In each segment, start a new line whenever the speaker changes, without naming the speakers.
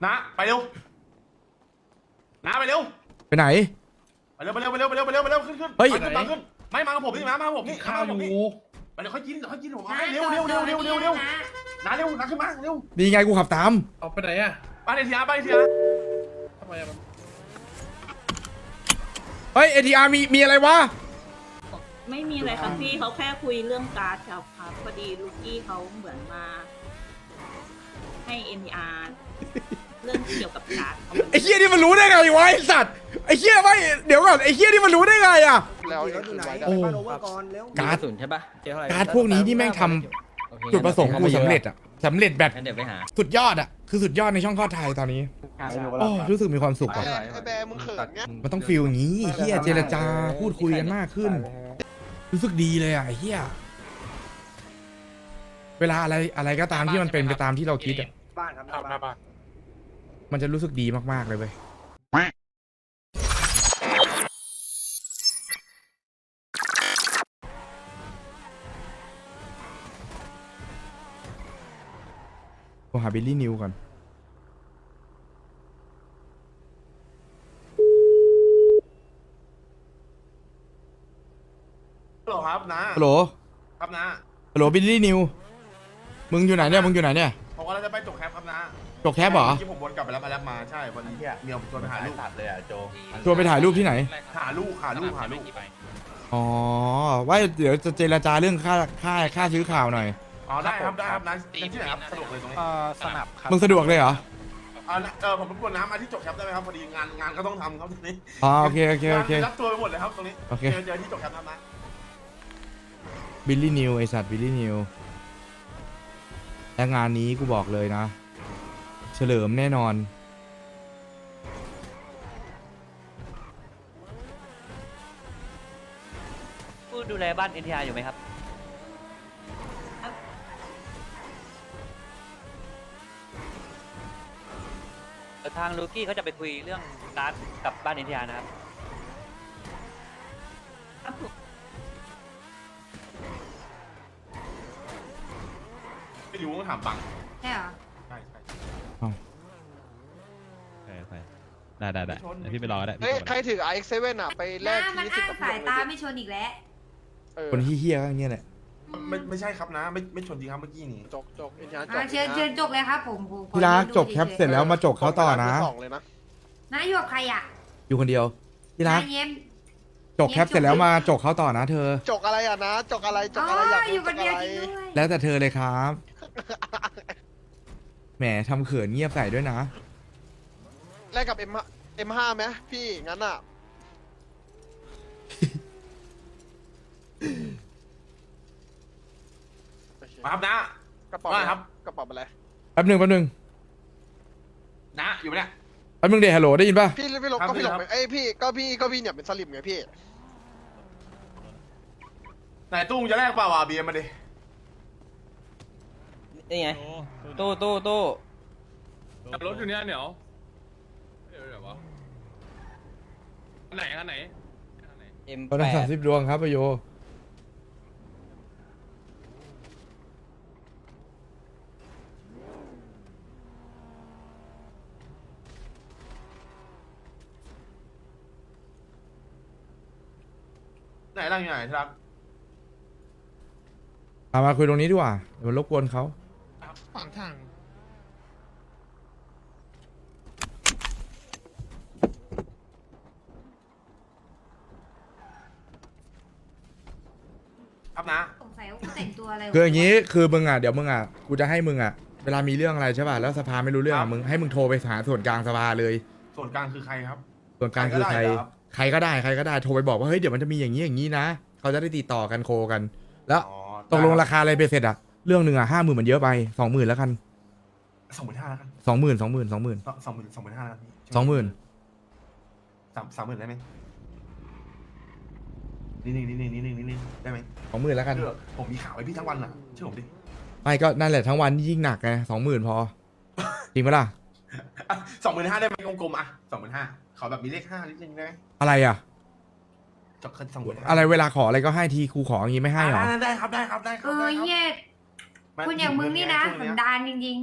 นะไปเร็วนะไปเร็ว
ไปไหน
ไปเร็วไปเร็วไปเร็วไปเร็วไปเร็วไปเร็วขึ้นขึ้น
เฮ้ย
มาขึ้นไม่มากับผมนี่มากับผมนี่ข้าวอยู่ไปเดี๋ยวค่อยกินผมให้เร็วนะเร็วนะขึ้นมาเร็ว
นี่ไงกูขับตาม
เอาไปไหนอะ
ไปเลยทีนะไปเลยทีนะ
ทำไมอะมัน
เฮ้ย ATR มีอะไรวะ
ไม่มีอะไรครับพี่เขาแค่คุยเรื่องการ์ดครับพอดีลูกกี้เขาเหมือนมา ให้ NTR เรื่องเกี่ยวกับการ์ด
ไอ้เฮียนี่มันรู้ได้ไงวะไอ้สัตว์ไอ้เฮียไม่เดี๋ยวก่อนไอ้เฮียนี่มันรู้ได้ไงอ่ะ
แล้วอยู่ไหน
โอ้
บ้านโอเวอร์ก่อนเร็ว
การ์ด
ศูนย์ใช่ปะเจอเท่าไหร่
การ์ดพวกนี้นี่แม่งทำจุดประสงค์กูสำเร็จอ่ะสำเร็จแบบ
งั้นเดี๋ยวไปหา
สุดยอดอ่ะคือสุดยอดในช่องคลอดไทยตอนนี้โอ้รู้สึกมีความสุขอ่ะ
ไอ้แบร์มึงเขินเงี้ย
มันต้องฟีลอย่างนี้เฮียเจรจาพูดคุยกันมากขึ้น รู้สึกดีเลยอ่ะไอ้เฮียเวลาอะไรก็ตามที่มันเป็นไปตามที่เราคิดอ่ะ
บ้านครับหน้าบ้าน
มันจะรู้สึกดีมากๆเลยเว้ยโทรหาบิลลี่นิวก่อน
ฮัลโหลครับนะ
ฮัลโหล
ครับนะ
ฮัลโหลบิลลี่นิวมึงอยู่ไหนเนี่ยมึงอยู่ไหนเนี่ย
ผมกำลังจะไปจบแคปครับนะ
จกแคปเหรอ
ที่ผมวนกลับไปแล้วมาใช่วันนี้เมียผมชวนไปหาลูก
เลยอ่ะโจ
ชวนไปถ่ายรูปที่ไหน
หาลูก
อ๋อว่าเดี๋ยวจะเจรจาเรื่องค่าซื้อข่าวหน่อย
อ๋อได้ครับนะที่ไหนครับสะดวกเลยตรงนี้
สนับครับ
มึงสะดวกเลยเหรอ
ผมรบกวนน้ำมาที่จบแคปได้ไหมครับพอดีงานก็ต้องทำครับตรงนี้
อ๋อโอเค
งานรับตัวไปหมดเลยครับตรงนี้
โอเค
เจอที่จบแคปนะ
บิลลี่นิวไอสัตว์บิลลี่นิวและงานนี้กูบอกเลยนะ เฉลิมแน่นอน
ผู้ดูแลบ้าน NTR อยู่ไหมครับทางลูกี้เขาจะไปคุยเรื่องการ์ดกับบ้าน NTR นะครับ
ครับผม
ไม่รู้ต้องถามบัง
ใช่เหรอ
ใช่
ได้เดี๋ยวพี่ไปรอก็ได้
เฮ้ยใครถือ iX7 อ่ะไปแลกทีสิบกับ
สายตาไม่ชนอีกแล้ว
คนเฮี้ยๆก็อย่างเงี้ยแหละ
ไม่ใช่ครับนะไม่ชนจริงครับเมื่อกี้นี่
จกอินยาจก
เชิญจกเลยครับผมขอ
พี่รักจบแคปเสร็จแล้วมาจกเขาต่อนะ
สองเลยนะ
น้าอยู่กับใครอ่ะ
อยู่คนเดียวพี่รัก
น้าเย็ม
จกแคปเสร็จแล้วมาจกเขาต่อนะเธอ
จกอะไรอ่ะนะจกอะไรจ
อ๋
ก
อ
อะไรอยาก
อยู่
จ
คน
ก
เดียว
อะไร
จริงด้วย
แล้วแต่เธอเลยครับแหมทำเขินเงียบใส่ด้วยนะ
แลกกับ M5 ไหมพี่งั้นอ่ะ
มาครับนะ
กระเป๋า
ว่าครับ
กระเป๋าอะไร
แป๊บหนึ่ง
นะอยู่ไหมเนี่ย
เดฮัลโหลได้ยินป่ะ
พี่หลง
ครับ
ก็พี่หลง
ครับ
ไปเอ้ยพี่ก็พี่เนี่ยเป็นสลิมไงพี่
ไหนตู้มึงจะแลกเปล่าวะเบียร์มาดิ
นี่ไง ตู้
รถอยู่เนี่ยเหนียวเดี๋ยววะอันไหน
ตอนนั้น30 ดวงครับประโย
ไหนร่างอยู่ไหนครับ
มาคุยตรงนี้ดีกว่าเดี๋ยวมันรบกวนเขา
ขวางทาง
ครับนะ
สงสัยว่าแต่งตัวอะไร
คืออย่างนี้คือมึงอ่ะเดี๋ยวมึงอ่ะกูจะให้มึงอ่ะเวลามีเรื่องอะไรใช่ป่ะแล้วสภาไม่รู้เรื่อง
ครั
อ่ะ
บ
มึงให้มึงโทรไปหาส่วนกลางสภาเลย
ส่วนกลางคือใครครับ
ส่วนกลางคือใคร
ใครก็ได้เหรอครับ
ใครก็ได้โทรไปบอกว่าเฮ้ยเดี๋ยวมันจะมีอย่างนี้อย่างนี้นะเขาจะได้ติดต่อกันโคกัน แล้ว
อ๋อ
ตกลงราคาอะไรไปเสร็จอ่ะเรื่องหนึ่งอ่ะ50,000มันเยอะไป20,000แล้วกัน
25,000แล้วกัน
20,000
25,000แล้วกันพี่
20,000
30,000ได้ไหมนี่ได้ไหม
20,000แล้วกัน
เชื่อผมมีข่าวไว้พี่ทั้งวันอ่ะเชื่อผมดิ
ไม่ก็นั่นแหละทั้งวันยิ่งหนักไง20,000พอจริงปะล่ะ
25,000ได้ไหมกลมๆอ่ะ25,000ขอแบบมีเลข5นิดนึงได้ไหม
อะไรอ่ะ
จบคัน25,000
อะไรเวลาขออะไรก็ให้ทีครูขออย่างงี้ไม่ให้หรอ
ได้ครับ
เออเฮียคุณอย่างมึงนี่นะสันดานจริง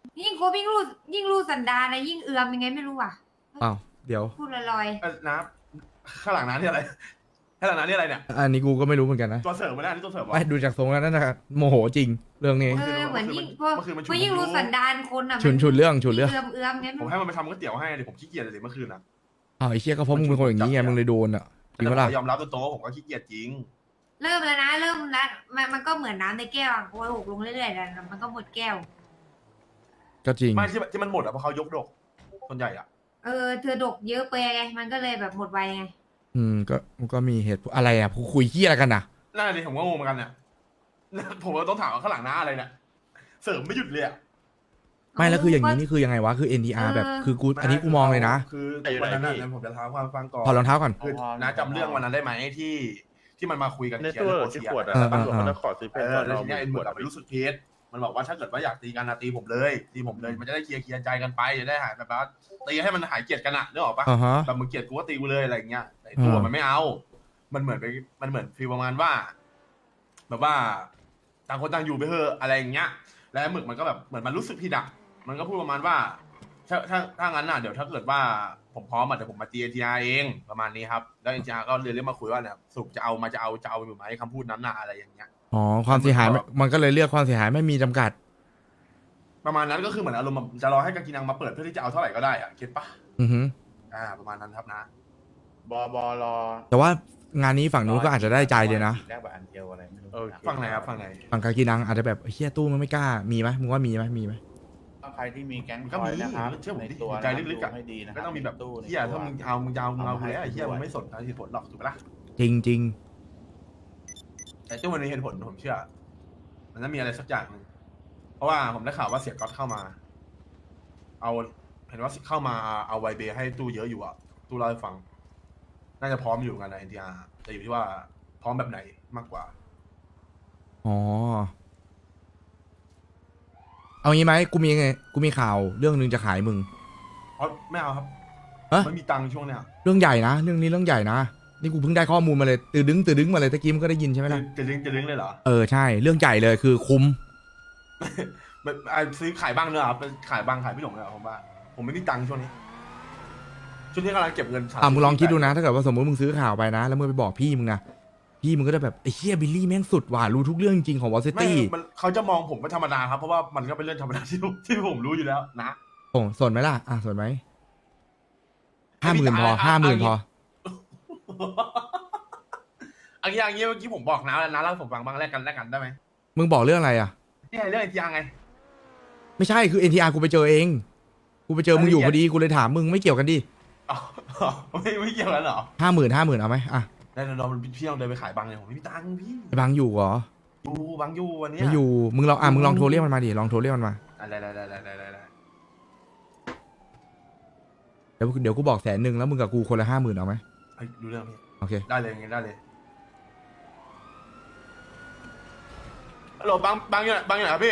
ยิ่งโคบยิ่งรู้สันดานนะยิ่งเอือมยังไงไม่รู้อ่ะ
อ้าวเดี๋ยว
พูดลอย
น้าข้างหลังน้านี่อะไรข้างหลังน้านี่อะไรเนี่ย
อันนี้กูก็ไม่รู้เหมือนกันนะ
ตัวเสริมมาแล้วอันนี้ตัวเสริมวะ
ไม่ดูจากทรงแล้วนั่นนะโมโหจริงเรื่องนี้
เหมือนยิ่งพอ
เมื่อคืนมันฉุน
พอยิ่งรู้สันดานคนอ่ะ
ฉุนเรื่องฉุนเรื่อง
เอือมงั้น
ผมให้มันไปทำก๋วยเตี๋ยวให้เลยผมขี้เกียจเลยเมื่อคืนนะ
อ้าวไอ้เชี่ยก็เพราะมึงเป็นคนอย่างนี้ไงมึงเลยโดนอ่ะจริงปะล่ะ
ยอมรับตัวโตผมก็ขี้เกียจจริง
เริ่มแล้วนะเริ่มแล้วมันก็เหมือนน้ำในแก้วโหกลงเรื่อยๆแล้วมันก็หมดแก้ว
ก็จริง
ไม่ที่มันหมดอ่ะเพราะเขายกดกส่วนใหญ่อ่ะ
เธอดกเยอะไปไงมันก็เลยแบบหมดไวไง
ก็มีเหตุผลอะไรอ่ะคุยเฮียอะไรกันน่ะ
น่าดิผมก็งงเหมือนกันเนี่ยผมก็ต้องถามว่าข้างหลังน้าอะไรเนี่ยเสริมไม่หยุดเลยอ่ะ
ไม่แล้วคืออย่างนี้นี่คือยังไงวะคือ NTR แบบคือกูอันนี้กูมองเลยนะ
คือวันนั้นนะผมจะท้าความฟังก่อน
ถอดรองเท้าก่อน
คือน้าจำเรื่องวันนั้นได้ไหมที่มันมาคุยกัน
ใน
เคลีย
ตู้
ร์เรื่องโปร
ที่
เซีย
ขวดอะ
เออ
ตำรวจเขาจะขอซื้อเพชรก่อน
แล้ว
เรา
ทีนี้ไอ้หมวดไปรู้สึกเพชรมันบอกว่าถ้าเกิดว่าอยากตีกันนะตีผมเลยมันจะได้เคลียร์ใจกันไปจะได้หายแบบว่าตีให้มันหายเกลียดกันอะนึกออกปะ
อ่าฮะ
แบบมึงเกลียดกูก็ตีกูเลยอะไรอย่างเงี้ยแต่ไอ้ตัวมันไม่เอา มันเหมือนฟีลประมาณว่า แบบว่าต่างคนต่างอยู่ไปเถอะอะไรอย่างเงี้ย แล้วหมึกมันก็แบบเหมือนมันรู้สึกผิดอะมันก็พูดประมาณว่าถ้างั้นน่ะเดี๋ยวถ้าเกิดว่าผมพร้อมอ่ะเดี๋ยวผมมาตี NTR เองประมาณนี้ครับแล้ว NTR ก็เลยเรียกมาคุยว่าเนี่ยสรุปจะเอาอยู่ไหมคำพูดนั้นน่ะอะไรอย่างเงี้ย
อ๋อความเสียหายมันก็เลยเลือกความเสียหายไม่มีจำกัด
ประมาณนั้นก็คือเหมือนอารมณ์แบบจะรอให้กากินังมาเปิดเพื่อที่จะเอาเท่าไหร่ก็ได้อะเก็ตปะ
อือฮึ
ประมาณนั้นครับนะ
บอรอ
แต่ว่างานนี้ฝั่งนู้นก็อาจจะได้ใจเลยนะ
แรกแบบอันเดียวอะไรไม่รู้
ฟังไหนครับฟังไหน
ฝั่งกากีนังอาจจะแบบเฮียตู้มันไม่กล้ามีไหมมึงว่ามีไหม
ใครที่มีแก๊ง
ก็
คอย
มี
นะครับ
เชื่อผม
ใน
ดิ
ตัว
ใจลึกๆอะ
ให้ดีนะค
ก็
รับ
ต้องมีแบบ
ในตู้
เฮียถ้ามึงเอากูแล้วเฮียมึงไม่สนเหตุผลหรอกถูกปะล่ะ
จริง
แต่ตู้มันมีเหตุผลผมเชื่อ มันต้องมีอะไรสักอย่างหนึ่งเพราะว่าผมได้ข่าวว่าเสียก๊อตเข้ามา เห็นว่าเข้ามาเอาไวเบให้ตู้เยอะอยู่อ่ะตู้เล่าให้ฟัง น่าจะพร้อมอยู่กันนะ NTR แต่อยู่ที่ว่าพร้อมแบบไหนมากกว่า
ๆอ๋อเอางี้ไหมกูมีข่าวเรื่องนึงจะขายมึง
เพราะไม่เอาครับ
ฮะ
ไม่มีตังค์ช่วงเนี้ย
เรื่องใหญ่นะเรื่องนี้เรื่องใหญ่นะนี่กูเพิ่งได้ข้อมูลมาเลยตื่นดึงมาเลยตะกี้มึงก็ได้ยินใช่ไหมล่ะ
จะดึงเลยเหรอ
ใช่เรื่องใหญ่เลยคือคุ้ม
แบบซื้อขายบ้างเนอะครับขายบ้างขายพี่หลงเลยเหรอผมว่าผมไม่มีตังค์ช่วงนี้กำลังเก็บเงิน
มึงลองคิดดูนะถ้าเกิดว่าสมมติมึงซื้อข่าวไปนะแล้วมึงไปบอกพี่มึงนะพี่มึงก็จะแบบไอ้เฮียบิลลี่แม่งสุดว่ะรู้ทุกเรื่องจริงของวอลซิ
ไม่
ตี้
เขาจะมองผมเป็นธรรมดาครับเพราะว่ามันก็เป็นเรื่องธรรมดาที่ผมรู้อยู่แล้วนะ
สนไหมล่ะสนไหม50,000พอ50,000พอ
อันนี้เมื่อกี้ผมบอกนะแล้วนะเล่าให้ผมฟังบ้างแลกกันได้ไหม
มึงบอกเรื่องอะไรอ่ะ
นี่เรื่องไอทีอาร์ไง
ไม่ใช่คือ NTR กูไปเจอเองกูไปเจอมึงอยู่พอดีกูเลยถามมึงไม่เกี่ยวกันดิ
อ๋อไม่เกี่ยวกันเหรอ
50,000เอาไหมอ่ะ
ได้เดี๋ยวเราพี่ต้องเดินไปขายบังเลยผมไม่มีตังค์พี่
ไอ้บังอยู่เหรอ
บังอยู่วันนี้
ไม่อยู่มึงลองโทรเรียกมันมาดิลองโทรเรียกมันมา
ได้
เดี๋ยวกูบอก100,000แล้วมึงกับกูคนละ50,000เอาไหม
ดูเรื่องพี่
โอเค
ได้เลยงั้นได้เลยฮัลโหลบังอยู่ไหนครับ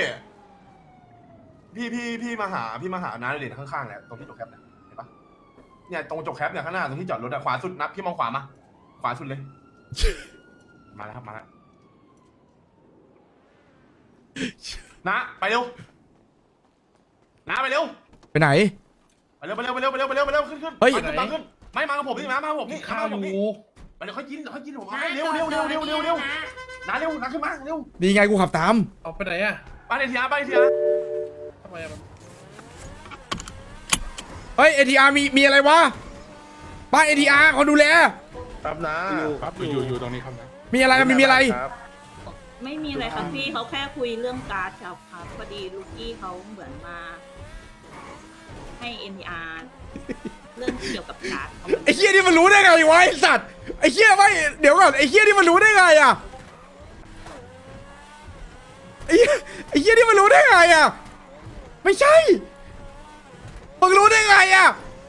พี่มาหาน้าเลยข้างๆเนี่ยตรงที่จกแคปเนี่ยเห็นปะเนี่ยตรงจกแคปเนี่ยข้างหน้าตรงที่จอดรถขวาสุดนับพี่มองขวามาขวาสุดเลย มาแล้วครับมาแล้วนะไปเร็วนะไปเร็ว
ไปไหน
ไปเร็วขึ้น
เฮ้ย
บังขึ้นไม่มากับผมนี่มากับผมนี่ข้าวอยู่ไปเดี๋ยวค่อยกินผมเอาเร็วนะเร็วนะขึ้นมาเร็ว
ดีไงกูขับตาม
เอาไปไหนอ่ะ
บ้านเอทีอาร์
ทำไมอะมัน
เฮ้ย NTR มีอะไรวะบ้าน NTR เขาดูแล
ครับนะครับ
อยู่ตรงนี้ครับนะ
มีอะไรมีอะไร
ครับ
ไม่มีอะไรครับพี่เขาแค่คุยเรื่องการ์ดครับพอดีลูกี้เขาเหมือนมา ให้ NTR เรื่องเกี่ยวกับการ์ดเขา
ไอ้เฮียนี่มันรู้ได้ไงวะไอ้สัตว์ไอ้เฮียไม่เดี๋ยวก่อนไอ้เฮียนี่มันรู้ได้ไงอ่ะไอ้เฮียนี่มันรู้ได้ไงอ่ะไม่ใช่มึงรู้ได้ไงอ่ะ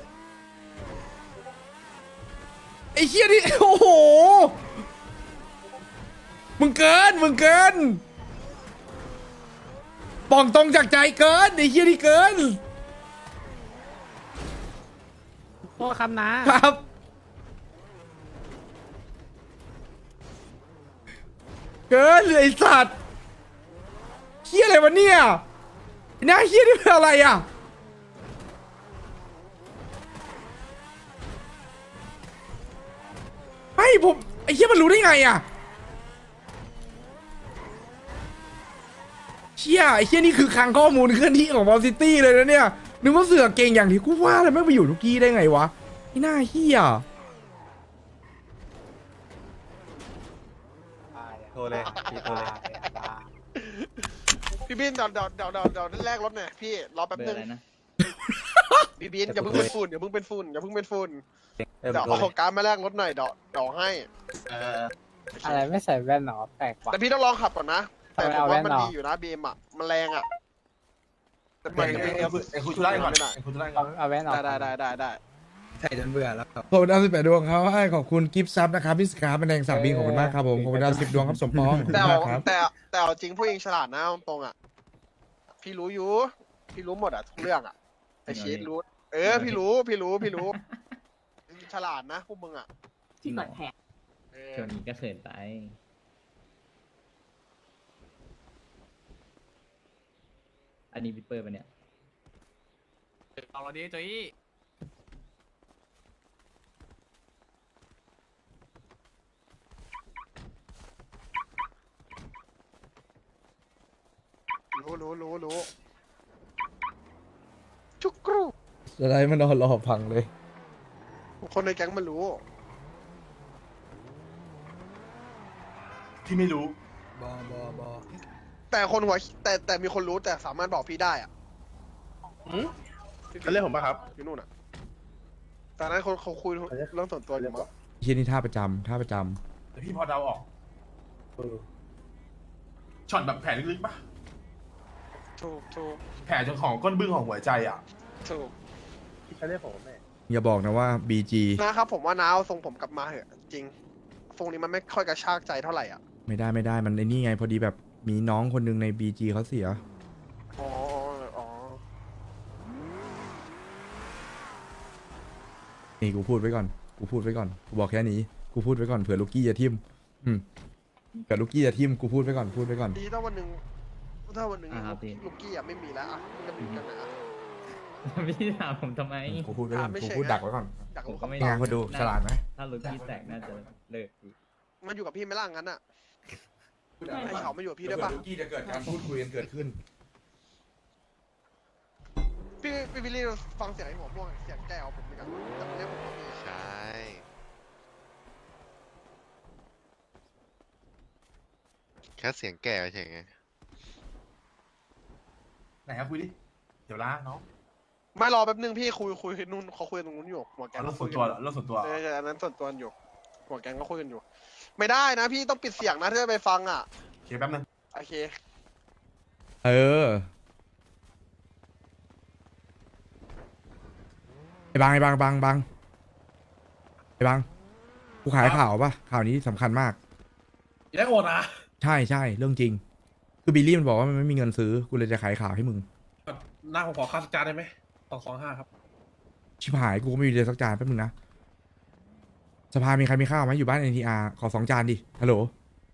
ไอ้เฮียนี่โอ้โหมึงเกินป่องตรงจากใจเกินไอ้เฮียนี่เกิน
โทษคำนะครับ
เกินเลยไอ้สัตว์เฮียอะไรวะเนี่ยหน้าเฮี้ยนี่เป็นอะไรอ่ะไม่ผมไอ้เฮี้ยมันรู้ได้ไงอ่ะเชี่ยไอ้เฮี้ยนี่คือคลังข้อมูลเคลื่อนที่ของบอลซิตี้เลยนะเนี่ยนึกว่าเสือเก่งอย่างที่กูว่าเลยไม่ไปอยู่ทุกที่ได้ไงวะไอ้หน้าเฮี้ย
โทรเลยพี่โทรเลย
พี่บินเดี๋ยวแลกรถหน่อยพี่รอแป๊บนึงพี่บินอย่าเพิ่งเป็นฝุ่นอย่าเพิ่งเป็นฝุ่นอย่าเพิ่งเป็นฝุ่นเดี๋ยวเอาการดมาแลกรถหน่อยเดี๋ยวให้
อะไรไม่ใส่แว่นหรอแปลกว่ะ
แต่พี่ต้องลองขับก่อนนะแต่ผม
เอาแว่
ว่าน มัน
เหรอ
ดีอยู่นะบีมอ่ะมันแรงอ่ะแต่มันยังไม่
ไอ้คุณชุไล่ก่อนไอ้คุณชุไล่ก่อน
เอาแว่นออก
ได้
ขอบคุณดาว18 ดวงครับให้ขอบคุณกิฟต์ซับนะครับพี่สกาเป็นแดงสักบินขอบคุณมากครับผมขอบคุณดาว10 ดวงครับสมปองขอบคุณ
แต่
มากครับ
แต่เอาจริงผู้หญิงฉลาดนะตรงๆอ่ะพี่รู้อยู่พี่รู้หมดอ่ะทุกเรื่องอ่ะไอชีสรู้พี่รู้ฉลาดนะพวกมึงอ่ะ
ที่กดแผล
ช่วงนี้ก็เขินไปอันนี้วิปเปอร์ปะเนี่ย
เอาเราดีโจย
รู้จุกกรู
จะได้มันนอนรอพังเลย
คนในแก๊งมันรู้
ที่ไม่รู้
แต่คนหัวแต่มีคนรู้แต่สามารถบอกพี่ได้อ่ะ
เขาเรียกผมป่ะครับ
อยู่นู่นอ่ะแต่นั้นเขาคุยเรื่องส่วนตัวอยู่มั้ง
เฮี้ยนี่ท่าประจำ
แต่พี่พอเดาออกช็อตแบบแผลลึกๆปะ
ถูก
แผลจนของก้นบึ้งของหัวใจอ่ะ
ถูก
เขาเรียกผมแม่
อย่าบอกนะว่า BG
นะครับผมว่าน้าเอาทรงผมกลับมาเหอะจริงทรงนี้มันไม่ค่อยกระชากใจเท่าไหร่อ่ะ
ไม่ได้มันไอ้นี่ไงพอดีแบบมีน้องคนหนึงใน BG เขาเสีย
อ๋อ
นี่กูพูดไว้ก่อนกูบอกแค่นี้กูพูดไว้ก่อนเผื่อลูกกี้จะทิมเผื่อลูกกี้จะทิมกูพูดไว้ก่อน
ดีถ้าวันหนึ่ง
ครับพี่
ลูกกี้อ่ะไม่มีแล้วอ่ะมันจะมีกันนะ
พี่ถามผมทำไม
กูพูดไว้ก่อน
ไม่
กู
ใช่
พูดดักไว้ก่อน
อยากรู้
ผมก็ไม่
งานคนดูฉลาดไหม
ถ้าลูกี้แตกน่าจะเลิกพี่
มันอยู่กับพี่ไหม่ล่ะงั้นอ่ะไอ้เขามาอยู่กับพี่ได้ปะ
ลูกกี้จะเกิดการพูดคุยกันเกิดขึ้น
พี่วิลลี่ฟังเสียงไอ้หัวม่วงเสียงแก้วผมเหมือนกันแต่ไม่ใช่ผมพี่
ใช่ แค่เสียงแก่เฉยไง
ไหนครับคุยดิเดี๋ยวล้าน้อง
ไม่รอแป๊บนึงพี่คุยนู่นเขาคุยตรงนู้นอยู่หัวแกง
เรื่องส่วนตัวเหรอเรื่องส่วนตัว
อันนั้นส่วนตัวอยู่หัวแกงก็คุยกันอยู่ ไม่ได้นะพี่ต้องปิดเสียงนะถ้าจะไปฟังอ่ะ
โอเคแป๊บนึง
โอเค
เออไอ้บางกูขายข่าวป่ะข่าวนี้สำคัญมาก
ได้โอนนะ
ใช่เรื่องจริง คือบิลลี่มันบอกว่ามันไม่มีเงินซื้อกูเลยจะขายข่าวให้มึง
หน้าผมขอค่าสจานได้ไหม225ครับ
ชิบหายกูก็ไม่มีเลยสักจานแป๊บนึงนะสภามีใครมีข้าวไหมอยู่บ้าน NTR ขอ2 จานดิฮัลโหล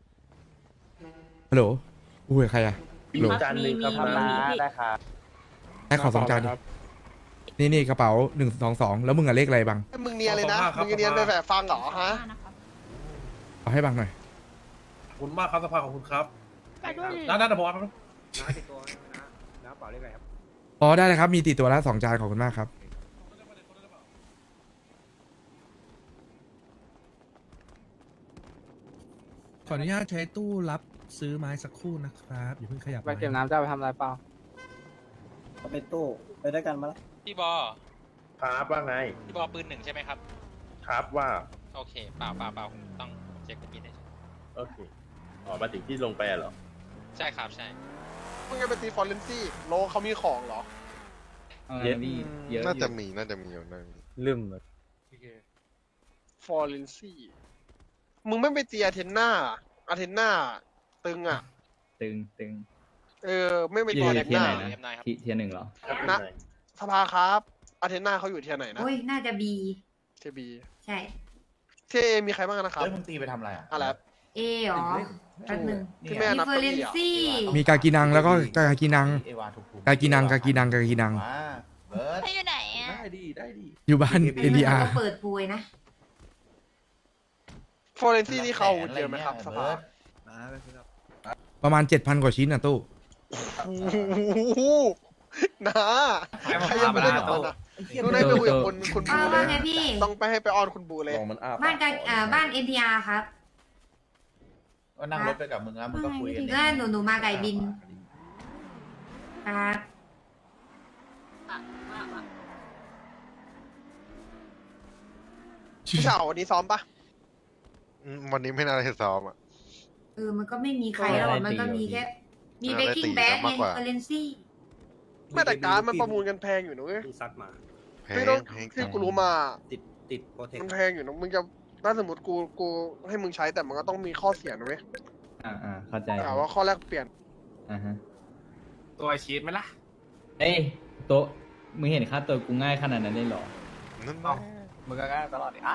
กูคุยกับใครอะฮัลโหล
จานหนึ่งครับ
มี
นะ
พี่
ได้ครับ
ให้ขอ2 จานดินี่กระเป๋า122แล้วมึงอะเลขอะไรบัง
มึงเนียนเลยนะมึงเนียนไปแบบฟังเหรอฮะ
นะครับ
เอาให้บังหน่อย
ขอบคุณมากครับสภาขอบคุณครับ
ไปด้วย
น่าจะพอครับ
อ๋อได้เลยครับมีติดตัวละ2 จานขอบคุณมากครับ
ขออนุญาตใช้ตู้รับซื้อไม้สักครู่นะครับอย่าเพิ่งขยับ
ไปเก็บน้ำจะเอาไปทำอะไรเปล่า
ไปตู้ไปได้กันมาแล้ว
พี่บอ
ครับว่าไง
พี่บอปืน1ใช่ไหมครับ
ครับว่า
โอเคเปล่าผมต้องเช็คกับพี่หน่อย
โอเคอ๋อมาถึงที่ลงไปเหรอ
ใช่ครับใช่
มึงจะไปตีฟอร์เรนซี่โลเขามีของเหรอ
เยอะพี่เยอะ
น่าจะมีอยู่นั่น
ลืม
ฟอร์เรนซี่มึงไม่ไปตีอาเทนนาตึงอ่ะ
ตึง
ไม่ไป
พี่
ตีอาเทน
เทีย
นา
ไหนนะเทีย1เหรอ
นะสภาครับอาเทนนาเขาอยู่เทียไหนนะ
โอ้ยน่าจะบี
เทียบี
ใช่
เทียเอมีใครบ้างนะครับ
แล้วมึงตีไปทำอะไรอ่ะ
อะไร
เอเหรอแป๊บนึง
ที่แม่
ดิ
นับ
เฟอ
เก้า
เรน
อี้อะ
ซี่
มีกากีนังแล้วก็กากีนังกากีนังกากีนังกากีนัง
เขาอยู่ไหนอ่ะ
อยู่บ้าน NDR
เปิดปุยนะ
โฟเรนซี่นี่เขาเจอไหมครับสภา
ประมาณ 7,000 กว่าชิ้นนะตู้
โอ้โหนะใครยังไม่ได้กับมันอ่ะต้องได้ไปคุยกับคุณบูเล
ว่าย ไงพี่
ต้องไปให้ไปออนคุณบูเลย
บ้านกันบ้าน NTR ครับ
ก็นั่งรถไปกับมึงนะมึงก็คุยกัน
แล้วหนูมาไก่บินครับ
พี่สาววันนี้ซ้อมปะ
วันนี้ไม่น่าจะซ้อมอ่ะ
มันก็ไม่มีใครแล้วอะมันก็มีแค่มีเบกกิ้งแบดไงเฟอเรนซี่
ไม่แต่การดมันประมูลกันแพงอยู่นะเว้ย
ซัดมา
แพ
พี่
ง
ต้อง
แพง
ที่กูรู้มา
ติดโปรเทค
มันแพงอยู่นะมึงจะถ้าสมมติกูให้มึงใช้แต่มันก็ต้องมีข้อเสียนะเว้ย
เข้าใจ
แต่ว่าข้อแรกเปลี่ยน
ตัวชีสไหมล่ะ
เอ้ยโตะมึงเห็นค่าตัวกูง่ายขนาดนั้นเลยเหรอ
นั่น
เอ้า
มึงก็ง่ายตลอดอ่ะ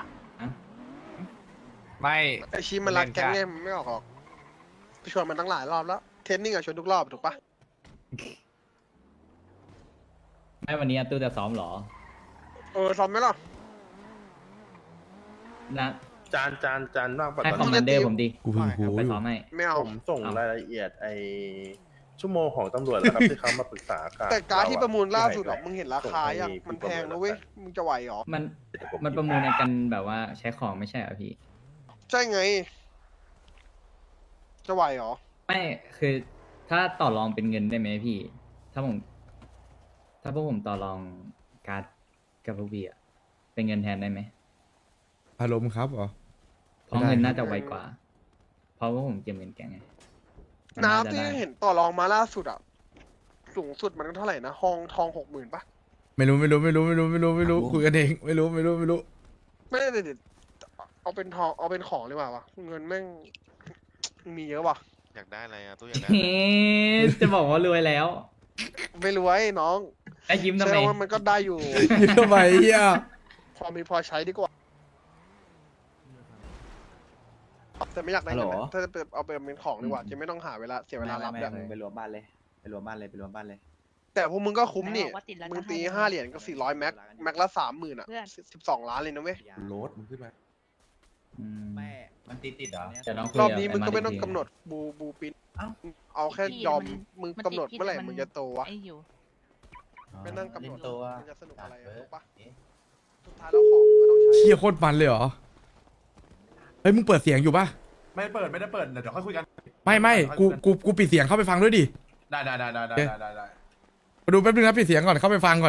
ไม่
ไอชีมันรักแก๊งเนี่ยมันไม่ออกหรอกไปชวนมันตั้งหลายรอบแล้วเทรนนิ่งอะชวนทุกรอบถูกปะ
ไม่วันนี้ตู้จะซ้อมเหรอ
ซ้อมไหมล่ะ
นะ
จานว่างปะ
ให้
ตอน
คอม
นี้
มานเดอร์ผมดิ
กูเพิ่งรู้
ไป
อยู่
ซ้อมให้
ไม่เอา
ผมส่งรายละเอียดไอชั่วโมงของตำรวจแล้วครับ ที่เขามาปรึกษากัน
แต่การดที่ประมูลล่าสุดอะมึงเห็นราคายังมันแพงนะเว้ยมึงจะไหวหรอ
มันประมูลในกันแบบว่าใช้ของไม่ใช่เหรอพี่
ใช่ไง จะไหวหรอ
ไม่คือถ้าต่อรองเป็นเงินได้ไหมพี่ ถ้าพวกผมต่อรองการ์ดกับพวกพี่อะเป็นเงินแทนได้ไหม
อารมณ์ครับเหรอ
เพราะเงินน่าจะไวกว่า เพราะว่าผมเก็บเงินแกงไงมั
น้ำ
จะ
ที่
ได้
เห็นต่อรองมาล่าสุดอะสูงสุดมันเท่าไหร่นะห้องทอง60,000ปะ
ไม่รู้คุยกันเองไม่รู้
ไม่ได้เด็ดเอาเป็นทองเอาเป็นของเลยว่ะเงินแม่งมีเยอะว่ะ
อยากได้อะไรอ่ะตู้อยากได้
เฮ้จะบอกว่ารวยแล้ว
ไม่รวยน้อง
ไอ้ยิ้มทำ
เชื่
ไม
อว่ามันก็ได้อยู่
ยืนทำไมเฮีย
พอมีพอใช้ดีกว่า แต่ไม่อยากได้เงินนะถ้าจะเอาไปเป็นของดีกว่าจะไม่ต้องหาเวลาเสียเวลารับแบบ
ไปรวมบ้านเลยไปรวมบ้านเลย
แต่พวกมึงก็คุ้มนี่มึงตี5 เหรียญก็400 แม็กละ 30,000อะ12 ล้านเลยนะเว้ย
โรดมึงขึ้นมา
มันติดเหรอจะต้องคุย
รอบ
กับ
นี้มึงก็ไม่ต้อง
ที
กำหนดบูปินเอาแค่ยอมมึงกำหนดเมื่อไหร่มึงจะโตวะไม่นั่งกำหนดมันจะสนุกอะไรถูกปะสุดท้ายแล้วของก็ต้องใช้
เชี่ยโคตรมันเลยเหรอ เฮ้ยมึงเปิดเสียงอยู่ปะ
ไม่ได้เปิดเดี๋ยวค่อยคุยกัน
ไม่กูปิดเสียงเข้าไปฟังด้วยดิ
ได้
มาดูแป๊บนึงนะปิดเสียงก่อนเข้าไปฟังก่อน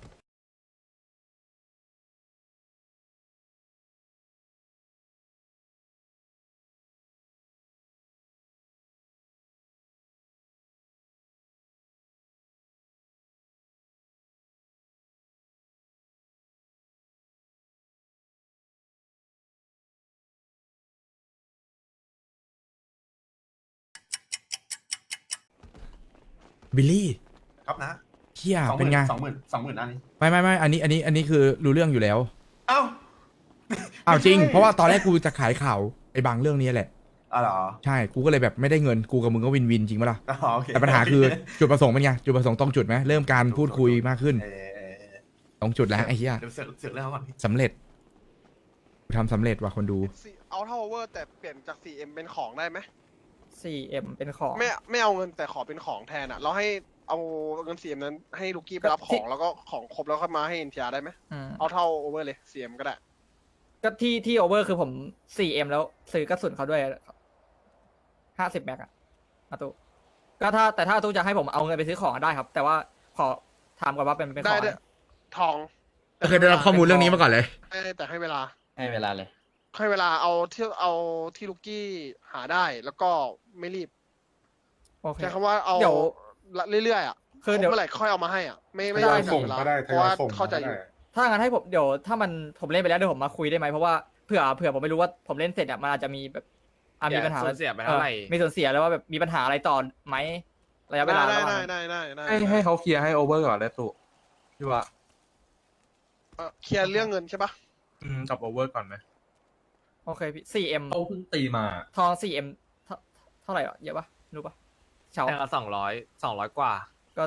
บิลลี่
ครับนะ
เฮียเป็นไง
20,000อันนี้
ไม่อันนี้คือรู้เรื่องอยู่แล้ว
เอ้า
อ้าวจริง
ไม่ใช่
เพราะว่าตอนแรกกูจะขายข่าวไอ้บางเรื่องนี้แหละ
อ๋อเหรอ
ใช่กูก็เลยแบบไม่ได้เงินกูกับมึงก็วินจริงปะล่ะ
อ๋อโอเค
แต่ปัญหาคือจุดประสงค์เป็นไงจุดประสงค์ตรงจุดไหมเริ่มการพูดคุยมากขึ้น ตรงจุดแล้วไอ้เหี้ย
เดี๋ยวเสือกเรื่องเขาก่อนพี่
สำเร็จกูทำสำเร็จว่ะคนดู
เอาเท่าเวอร์แต่เปลี่ยนจาก 4M เป็นของได้ไหม
4M เป็นของ
ไม่เอาเงินแต่ขอเป็นของแทนอะเราให้เอาเงิน 4M นั้นให้ลูกี้ไปรับของแล้วก็ของครบแล้วค่อยมาให้ NTR ได้ไหมเอาเท่าโอเวอร์เลย 4M ก็ได้
ก็ที่โอเวอร์คือผม 4M แล้วซื้อกระสุนเขาด้วย50 แม็กอะอาตุก็ถ้าตู้จะให้ผมเอาเงินไปซื้อของได้ครับ แต่ว่าขอถามก่อนว่าเป็นข
ได้
อง
ด้วยทอง
เคยได้รับข้อมูลเรื่องนี้มาก่อนเลย
แต่ให้เวลา
ให้เวลาเลย
ให้เวลาเอาที่ลูกี้หาได้แล้วก็ไม่รีบ
โอเค
ใช้คำว่าเอา
เดี๋ยว
เรื่อยๆอ่ะ
คือเดี๋ยว
เมื่อไหร่ค่อยเอามาให้อ่ะไม่
ได้
ถึงเวลาเพราะว่าเข้าใจอยู่
ถ้างั้นให้ผมเดี๋ยวถ้ามันผมเล่นไปแล้วเดี๋ยวผมมาคุยได้ไหมเพราะว่าเผื่อผมไม่รู้ว่าผมเล่นเสร็จอะมันอาจจะมีแบบมีปัญหา
ส่วนเสียไปเท่าไหร่
มีส่วนเสียแล้วว่าแบบมีปัญหาอะไรต่อไหมระยะเวลาระหว่าง
ได้
ให้เขาเคลียร์ให้โอเวอร์ก่อนแล้วตู่พี่ว่า
เคลียร์เรื่องเงินใช่ปะ
กับโอเวอร์ก่อนไหม
โโอเคพี่ 4M
เขาเพิ่งตีมา
ทอง 4M เท่าไหร่อ่ะเยอะปะรู้ปะเฉา
แพงละ200กว่า
ก็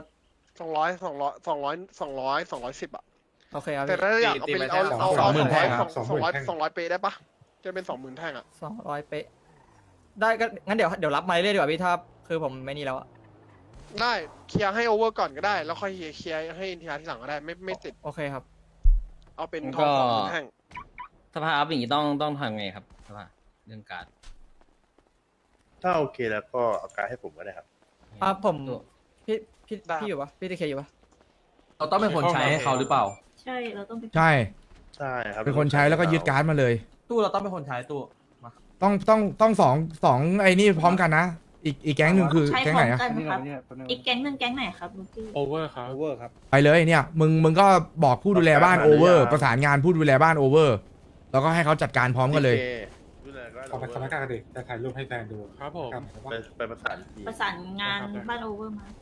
210อ่ะ
โอเคครับ
แต่
พี่
ถ้าอยากเอาเป็นเอา200 เป๊ะได้ปะจะเป็น 20,000 แท่งอ่ะ
200เป๊ะได้ก็งั้นเดี๋ยวรับมาเรื่อยๆดีกว่าพี่ถ้าคือผมไม่นี่แล้วอะ
ได้เคลียร์ให้โอเวอร์ก่อนก็ได้แล้วค่อยเคลียร์ให้อินทิราที่หลังก็ได้ไม่ติด
โอเคครับ
เอาเป็นทอง20,000 แท่ง
สภาอัพอย่างนี้ต้องทำไงครับสภาเรื่องการ
ถ้าโอเคแล้วก็เอาการดให้ผมก็ได้ครับ
ผมพี่อยู่ปะพี่ทีเคอยู่ปะ
เราต้องเป็นคนใช้ให้เขาหรือเปล่า
ใช่เราต้องไป
ใช่
ใช่ครับ
เป็นคนใช้แล้วก็ยึดการ์ดมาเลย
ตู้เราต้องเป็นคนใช้ตู้
ต้องสองไอ้นี่พร้อมกันนะ อีกแก๊งหนึ่งคือ
ใช้
แก๊ง
พร้
ไห
อน ม
อะ
กันครับอีกแก๊งหนึ่งแก๊งไหนครับลูกี้
โอเวอร์ครับ
ไปเลยเนี่ยมึงก็บอกผู้ดูแลบ้านโอเวอร์ประสานงานผู้ดูแลบ้านโอเวอร์แล้วก็ให้เขาจัดการพร้อมกันเลย
ดูแลก็
ขอสถานการณ์เด็กจะถ่ายรูปให้แฟนดูครับผม
ไปประสานที
ประสานงานบ้านโอเวอร์มา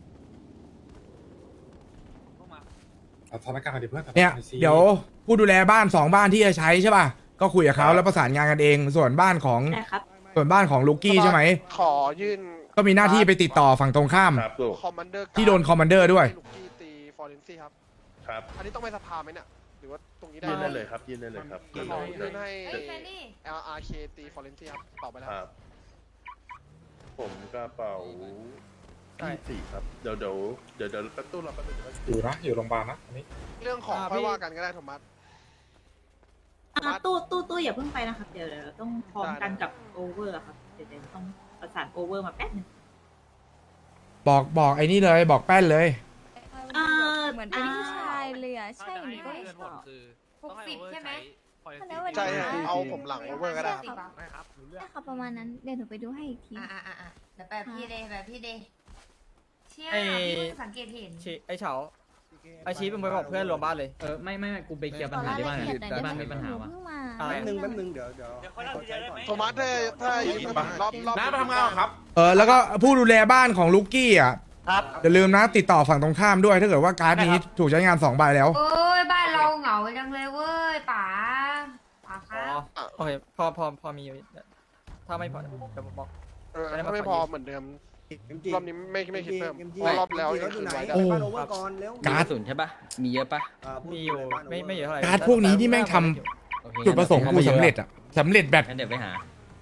สถานการณ์เด็กเพื่อน
เนี่ยเดี๋ยวผู้ดูแลบ้าน2บ้านที่จะใช้ใช่ป่ะก็คุยกับเขาแล้วประสานงานกันเองส่วนบ้านของ
ได้ครับ
ลูกี้ใช่ไหม
ขอยื่น
ก็มีหน้าที่ไปติดต่อฝั่งตรงข้าม
ครับลูก
คอมมานเดอร์
ที่โดนคอมมานเดอร์ด้วย
ลูกกี้ตีฟอร์เรนซี่ครับ
ครับ
อันนี้ต้องไปสภาไหมเนี่ยหรือว่าตรงนี้ได้
ยื่นได้เลยครับยื่นได้เลยครับ
ขอยื่นให้
เอ้ยแฟนดี้
LRK ตีฟอร์เรนซี่ครับตอบไปแล้ว
ครับ ผมกระเป๋า
ใช่
24ครับเดี๋ยวประตูเราแป๊บนึง
อยู่โรงพยาบาลนะอันนี้
เรื่องของค่อยว่ากันก็ได้โทมัส
ตู้อย่าเพิ่งไปนะครับเดี๋ยวเราต้องพร้อมกันกับโอเวอร์ครับเดี๋ยวต้องประสานโอเวอร์มาแป๊บนึง
บอกไอ้นี่เลยบอกแป้นเลย
เหมือนเป็นผู้ชายเลยอ่ะใช่หรือเปล่า60ใช่ไหม
ใช่เอาผมหลังโอเวอร์ก็ได้ครับ
ได้ครับประมาณนั้นเดี๋ยวหนูไปดูให้อีกทีเดี๋ยวแบบพี่เดเชี่ยพี่เพิ่งสังเกตเห็น
ไอ้เฉาไอ้ชี้เป็นไปบอกเพื่อนรวมบ้านเลย
ไม่กูไปเคลียร์ปัญหาที่บ้านบ้านมีปัญหาวะ
อะไร
แป๊บนึงเดี๋ยว
โทมัสถ้ายืนรอบ
น้าไปทำงานครับ
แล้วก็ผู้ดูแลบ้านของลูกี้อ่ะ
ครับ
อย่าลืมนะติดต่อฝั่งตรงข้ามด้วยถ้าเกิดว่าการ์ดนี้ถูกใช้งาน2ใบแล้ว
โอ้ยบ้านเราเหงาจังเลยเว้ยป๋าครับ
โอเคพอมีอยู่ถ้าไม่พอเดี๋ยวผมบอก
ถ้าไม่พอเหมือนเดิมรอบนี้ไม่คิดเพิ่มรอบแล้วยังคืนไว้ได้
โอ้ การ์ด
ศูนย์ใช่ปะมีเยอะปะ
มีอยู่ไม่เยอะเท่าไหร่
การ์ดพวกนี้ที่แม่งทำจุดประสงค์กูสำเร็จอ่ะสำเร็จแบบ
งั้นเดี๋ยวไปหา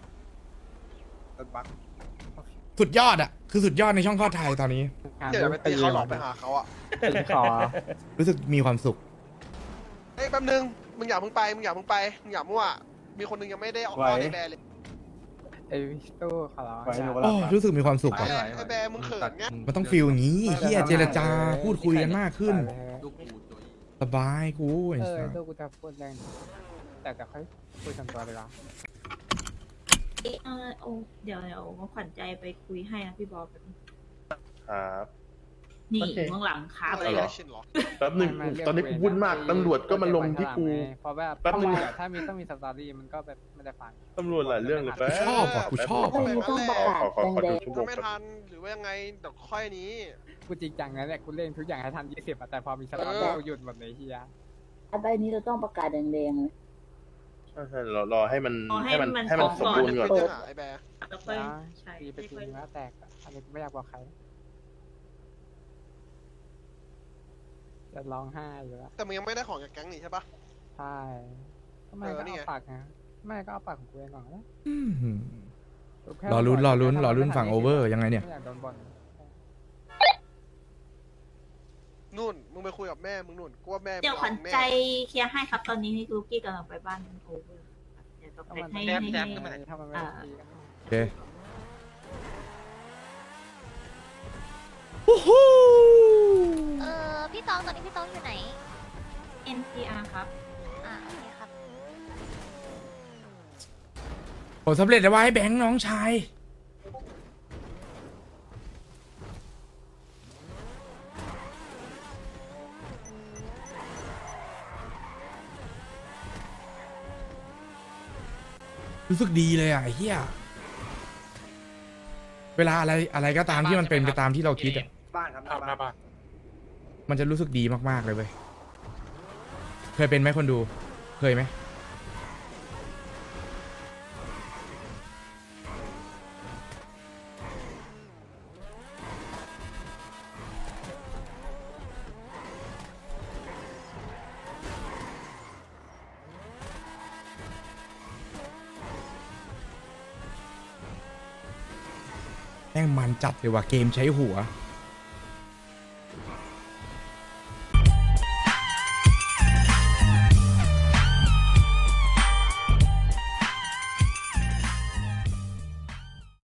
สุดยอดอ่ะคือสุดยอดในช่องทอดไทยตอนนี้
เดี๋ยวไปตีเขาหลอกไปหาเขาอ่ะ
รู้สึกมีความสุข
เฮ้ยแป๊บนึงมึงอย่าเพิ่งไปมึงอย่ามั่วมีคนนึงยังไม่ได้ออกมาในแบร์เลย
ไอ้ตู้ขอร้อง
โอ้รู้สึกมีความสุขอ่ะ
ไอ้แบร์มึงเขินไง
มันต้องฟีลอย่างนี้เฮียเจรจาพูดคุยกันมากขึ้น สบายกูไอ้สัส
ตู้กูจะพูดแรงแต่ค่อยคุยกันตัวเวลา
เดี๋ยวขวัญใจไปคุยให้นะพี่บอก
ครับ
นี่เบื้องหลังคาบอะไร
ไม่
เล
ได้
ย
ชินหรอ
แป๊บนึงตอนนี้กูวุ่นมากตำรวจก็มาลงที่กู
เพราะแบบ
แป๊บนึง
ถ้ามีต้องมีสตอรี่มันก็แบบไม่ได้ฟัง
ตำรวจหลายเรื่องเลยแป๊บ
ชอบอ่ะกูชอบ
ขอ
อ่ะ
ดูชั่วโม
ถ้าง ไม่ทันหรือว่ายังไงเดี๋ยวค่อยนี้
กูจริงจังนะเนี่ยกูเล่นทุกอย่างให้ทัน20แต่พอมีสตอรี่กูหยุดหมดเลยเฮีย
ใบนี้เราต้องประกาศแดงๆเลย
ใช่รอให้มัน
ให้มัน
สมบูรณ์ก่อน
เป็นยังไงไอ้แบร์
แล้วค่อยใช่
ตีไปทีแล้วแตกอันนี้ไม่อยากบอกใครจะร้องไห้อยู่แล้ว
แต่มึงยังไม่ได้ของจากแก๊งนี่ใช่ปะ
ใช่ทำไมก็
นี่
เอา
ไง
ปากนะไม่ก็เอาปากของกูเองก่อนนะ
รอลุ้นฝั่งโอเวอร์ยังไงเนี่ย
ไม่อยากโดนบอล
นู่นมึงไปคุยกับแม่มึงนู่นกูว่าแม่
เดี๋ยวขวัญใจเคลียร์ให้ครับตอนนี้ลูกี้กำลังไปบ้านโอเวอร์เดี๋ยวต้องไปให้
ถ้ามันไม่ได้ตีกัน
โอเคฮู้ฮู้
พี่ตองตอนนี้พี่ตองอยู่ไหน
NPR ครับ
โอเคครับ
ผลสำเร็จแล้วว่าให้แบงค์น้องชายรู้สึกดีเลยอ่ะไอ้เหี้ยเวลาอะไรก็ตามที่มันเป็นไปตามที่เราคิดอ่ะ
บ้านครับหน้าบ้าน
มันจะรู้สึกดีมากๆเลยเว้ยเคยเป็นไหมคนดูเคยไหมแม่งมันจัดเลยว่ะเกมใช้หัว